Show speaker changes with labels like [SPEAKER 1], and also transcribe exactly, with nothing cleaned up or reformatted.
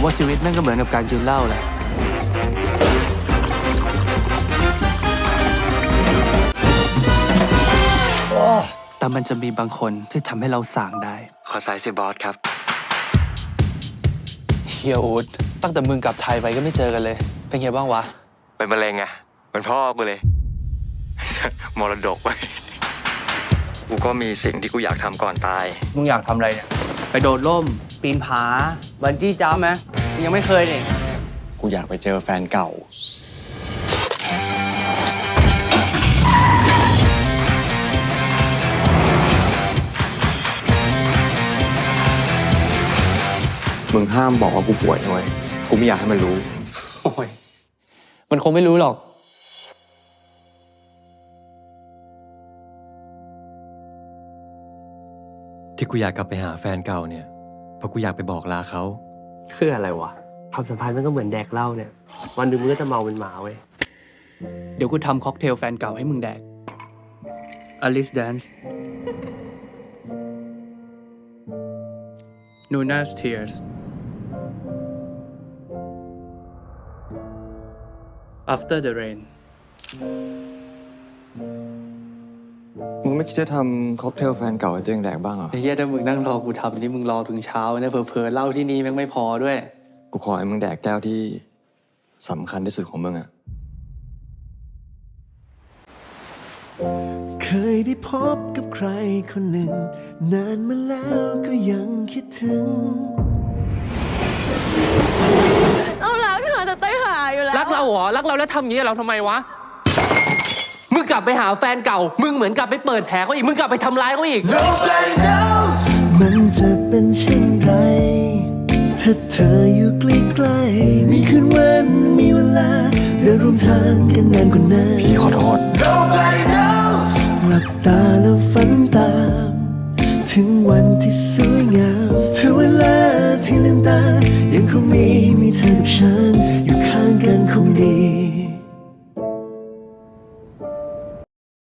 [SPEAKER 1] ว่าชีวิตแม่งก็เหมือนกับการกินเหล้าแหละแต่มันจะมีบางคนที่ทำให้เราส่างได้
[SPEAKER 2] ขอสายสิบอสครับ
[SPEAKER 1] เฮียอูดตั้งแต่มึงกลับไทยไปก็ไม่เจอกันเลยเป็นไงบ้างวะ
[SPEAKER 2] เป็นมะเร็งไงเป็นพ่อกูเลยมรดกไปกูก็มีสิ่งที่กูอยากทำก่อนตาย
[SPEAKER 1] มึงอยากทำอะไรเนี่ยไปโดดร่มปีนผาบันจี้จัมป์ไหมยังไม่เคยนี่
[SPEAKER 2] กูอยากไปเจอแฟนเก่ามึงห้ามบอกว่ากูป่วยนะเว้ยกูไม่อยากให้มันรู้
[SPEAKER 1] โอ้ยมันคงไม่รู้หรอก
[SPEAKER 2] ที่กูอยากกลับไปหาแฟนเก่าเนี่ยเพราะกูอยากไปบอกลาเขา
[SPEAKER 3] คืออะไรวะความสัมพันธ์มันก็เหมือนแดกเหล้าเนี่ยวันหนึ่งมึงก็จะเมาเป็นหมาเว้ย
[SPEAKER 1] เดี๋ยวกูทำค็อกเทลแฟนเก่าให้มึงแดก Alice Dance Nuna's Tears After the Rain
[SPEAKER 2] มึงไม่คิดจะทำค็อกเทลแฟนเก่าให้ตัวเองแดกบ้างเหรอ
[SPEAKER 1] ไอ้เหี้ยถ้ามึงนั่งรอกูทำนี่มึงรอถึงเช้าเนี่ยเผลอๆเหล้าที่นี่แม่งไม่พอด้วย
[SPEAKER 2] กูขอให้มึงแดกแก้วที่สำคัญที่สุดของมึงอะ
[SPEAKER 4] เคยได้พบกับใครคนหนึ่งนานมาแล้วก็ยังคิดถึง
[SPEAKER 5] เรารักเธอแต่เต้ยหาอยู่แล้ว
[SPEAKER 1] รักเราเหรอรักเราแล้วทำอย่างนี้เราทำไมวะมึงกลับไปหาแฟนเก่ามึงเหมือนกลับไปเปิดแผลเขาอีกมึงกลับไปทำร้ายเขาอีก
[SPEAKER 4] Nobody knows มันจะเป็นเช่นไรถ้าเธออยู่ใกล้ๆมีคืนวันมีเวลาเดินร่วมทางกันนานกว่านั้น
[SPEAKER 2] พี่ขอโทษ
[SPEAKER 4] Nobody knows หลับตาแล้วฝันตามถึงวันที่สวยงามถึงเวลาที่ลืมตายังคงมี